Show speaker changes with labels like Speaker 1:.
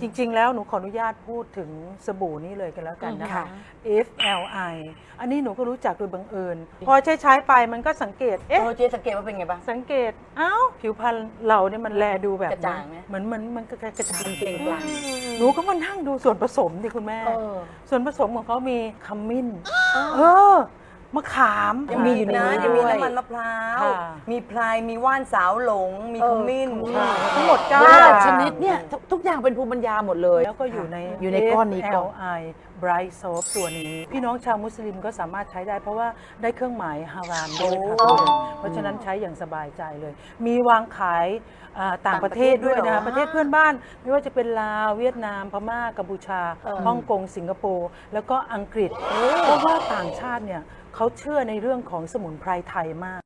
Speaker 1: ริงๆแล้วหนูขออนุญาตพูดถึงสบู่นี้เลยกันแล้วกันนะคะ FLI อันนี้หนูก็รู้จักโดยบังเอิญพอใช้ไปมันก็สังเกต
Speaker 2: เจ๊สังเกตว่าเป็นไงบ้าง
Speaker 1: สังเกตผิวพรรณเราเนี่ยมันแลดูแบบ
Speaker 2: กระจ่างไหม
Speaker 1: เหมือนมันกระจ่าง
Speaker 2: เก่งกว่า
Speaker 1: หนูก็มานั่งดูส่วนผสมดิคุณแม่ ส่วนผสมของเขามีขมิ้นมะขาม
Speaker 2: ยังมีอยู่นะยังมีน้ำมันมะพร้าว
Speaker 1: ค่ะ
Speaker 2: มีพลายมีว่านสาวหลง มีขมิ้น
Speaker 1: ทั้งหมด
Speaker 3: ชนิดเนี่ยทุกอย่างเป็นภูมิปัญญาหมดเลย
Speaker 1: แล้วก็อยู่ใน
Speaker 3: ก้อนนี้ก่อน
Speaker 1: FLI Bright Soap ตัวนี้ พี่น้องชาวมุสลิมก็สามารถใช้ได้เพราะว่าได้เครื่องหมายฮารามด้วยค่ะเพราะฉะนั้นใช้อย่างสบายใจเลย มีวางขายต่างประเทศด้วยนะคะประเทศเพื่อนบ้านไม่ว่าจะเป็นลาวเวียดนามพม่ากัมพูชาฮ่องกงสิงคโปร์แล้วก็อังกฤษเพราะว่าต่างชาติเนี่ยเขาเชื่อในเรื่องของสมุนไพรไทยมาก